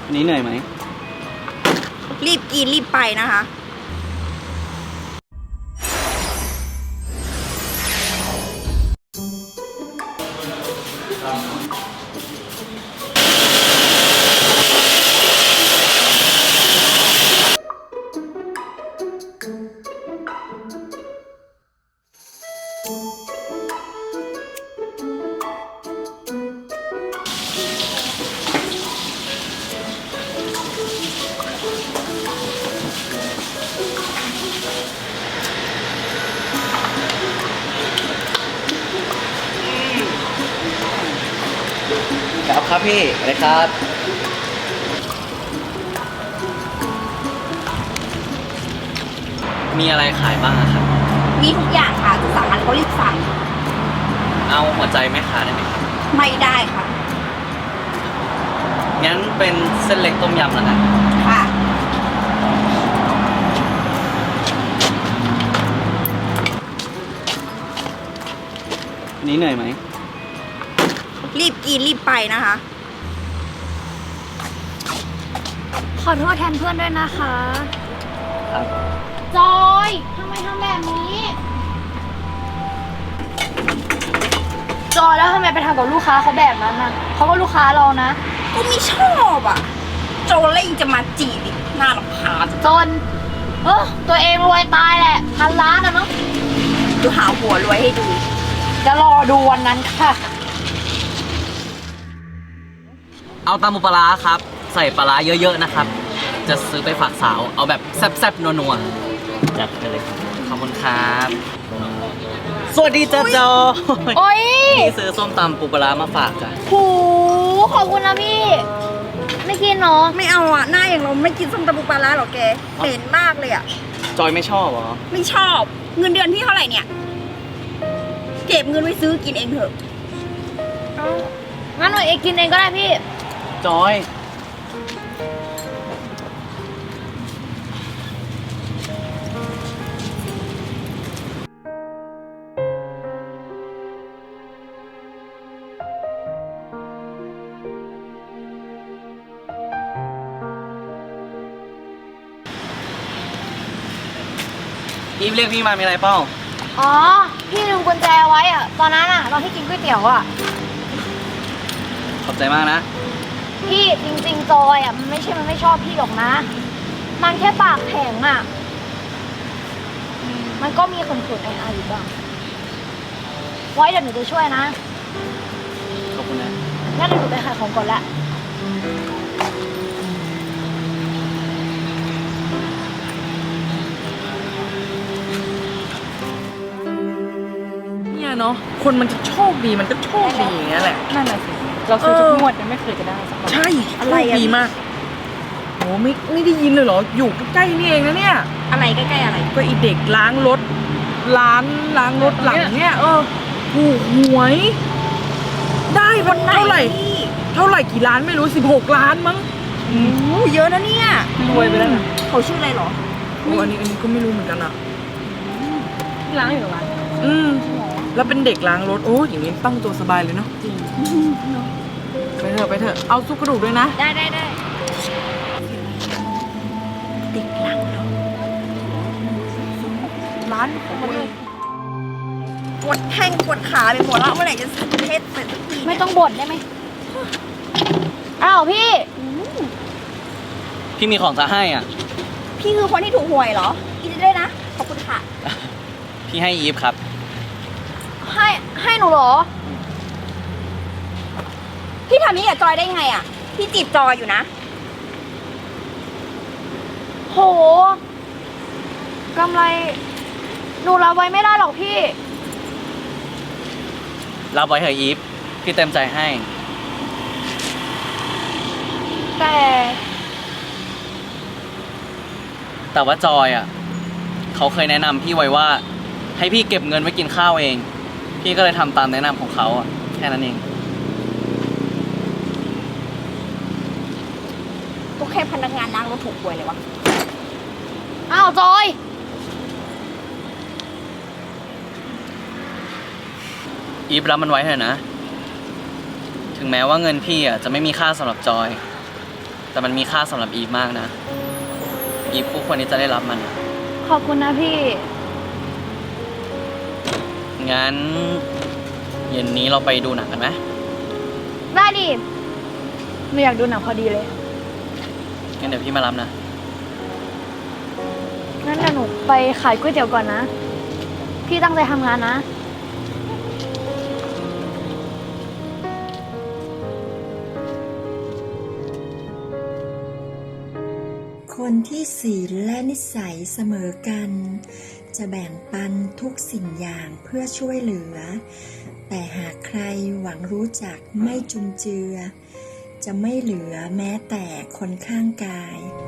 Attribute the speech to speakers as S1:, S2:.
S1: นี้เหนื่อยไหม
S2: รีบกินรีบไปนะคะ
S1: ครับพี่อะไรครับมีอะไรขายบ้างครับ
S2: มีทุกอย่างค่ะจะสั่งอะไรก็รีบสั่ง
S1: เอาหัวใจแม่ค้าได้ไหมครับ
S2: ไม่ได้ค่ะ
S1: งั้นเป็นเส้นเล็กต้มยำแล้วกัน
S2: ค่ะ
S1: นี้เหนื่อยไหม
S2: รีบกินรีบไปนะคะ
S3: ขอโทษแทนเพื่อนด้วยนะคะ
S1: ครับ
S3: จอยทำไมทำแบบนี้จอยแล้วทำไมไปทำกับลูกค้าเขาแบบนั้นน่ะเขาก็ลูกค้าเรานะ
S2: ก็ไม่ชอบอ่ะโจเล่งจะมาจีบอีกน่ารำคาญ
S3: จนตัวเองรวยตายแหละ1,000,000,000นะเนาะ
S2: ดูหาหัวรวยให้ดู
S3: จะรอดูวันนั้นค่ะ
S1: เอาตำปูปลาร้าครับใส่ปลาร้าเยอะๆนะครับจะซื้อไปฝากสาวเอาแบบแซ่บๆนัวๆจัดไปเลยขอบคุณครับสวัสดีจ้าจอ
S3: โอ้ย
S1: พี่ซื้อส้มตำปูปลาร้ามาฝากจ้ะ
S3: หูขอบคุณนะพี่ไม่กินเนาะ
S2: ไม่เอาอ่ะหน้าอย่างเราไม่กินส้มตำปูปลาร้าหรอแกเหม็นมากเลยอ่ะ
S1: จอยไม่ชอบเหรอ
S2: ไม่ชอบเงินเดือนพี่เท่าไหร่เนี่ยเก็บเงินไว้ซื้อกินเองเถอะ
S3: งั้นหนูเองกินเองก็ได้พี่
S1: จอยอีฟเรียกพี่มามีอะไรเปล่า
S3: อ๋อพี่ลืมกุญแจไว้อะตอนนั้นอะตอนที่กินก๋วยเตี๋ยวอะ
S1: ขอบใจมากนะ
S3: พี่จริงๆจอยอะมันไม่ชอบพี่หรอกนะมันแค่ปากแข็งอะมันก็มีคนขุดไอ้อยู่บ้างไว้เดี๋ยวหนูจะช่วยนะ
S1: ขอบคุณนะ
S3: งั้นเดี๋ยวหนูไปขายของก่อนละ
S4: เนาะคนมันจะโชคดีมันก็โชคดีอย่างเงี้ยแหละ
S5: นั่นแหละสิเราซื้อทุกงวดยังไม่เคยจะได้สักบาท
S4: ใช่อะไรดีมากโหไม่ได้ยินเลยเหรออยู่ใกล้ๆนี่เองนะเนี่ย
S2: อะไรใกล้ๆอะไร
S4: ก็อีเด็กล้างรถร้านล้างรถหลังเนี่ยถูกหวยได้วันเท่าไหร่กี่ล้านไม่รู้16 ล้านมั้ง
S2: เยอะนะเนี่ย
S4: รวยไปแล้วนะ
S2: เขาชื่ออะไรหรอ
S4: อันนี้ก็ไม่รู้เหมือนกันอ่ะ
S5: ล้างอยู่ร้าน
S4: แล้วเป็นเด็กล้างรถโอ้อย่างนี้ตั้งตัวสบายเลยเนาะจริงไปเถอะเอาซุปกระดูกด้วยนะ
S3: ได้
S2: เด็กล้างรถร้านของมันเลยปวดแข้งปวดขาไปหมดแล้วเมื่อไหร่จะเสร็จเสร็จสักที
S3: ไม่ต้องบ่นได้ไหมอ้าวพี่
S1: มีของจะให้อ่ะ
S2: พี่คือคนที่ถูกหวยเหรอกินได้นะขอบคุณค่ะ
S1: พี่ให้อีฟครับ
S3: ให้หนูเหรอ
S2: พี่ทำนี้กับจอยได้ไงอ่ะพี่จีบจอยอยู่นะ
S3: โหกำไรหนูรับไว้ไม่ได้หรอกพี่
S1: รับไว้เถอะอีฟพี่เต็มใจให้แต่ว่าจอยอ่ะเขาเคยแนะนำพี่ไว้ว่าให้พี่เก็บเงินไว้กินข้าวเองพี่ก็เลยทำตามแนะนำของเขาอ่ะแค่นั้นเอง
S2: ก็แค่พนักงานล้างรถถูกหวยเลยวะ
S3: อ้าวจอย
S1: อีฟรับมันไว้เถอะนะถึงแม้ว่าเงินพี่อ่ะจะไม่มีค่าสำหรับจอยแต่มันมีค่าสำหรับอีฟมากนะ อีฟคู่ควรที่จะได้รับมัน
S3: ขอบคุณนะพี่
S1: งั้นเย็นนี้เราไปดูหนังกันไหม
S3: ได้ดิไม่อยากดูหนังพอดีเลย
S1: งั้นเดี๋ยวพี่มารับนะ
S3: งั้นเดี๋ยวหนูไปขายก๋วยเตี๋ยวก่อนนะ พี่ตั้งใจทำงานนะ
S6: คนที่ศีลและนิสัยเสมอกัน จะแบ่งปันทุกสิ่งอย่างเพื่อช่วยเหลือ แต่หากใครหวังรู้จักไม่จุนเจือ จะไม่เหลือแม้แต่คนข้างกาย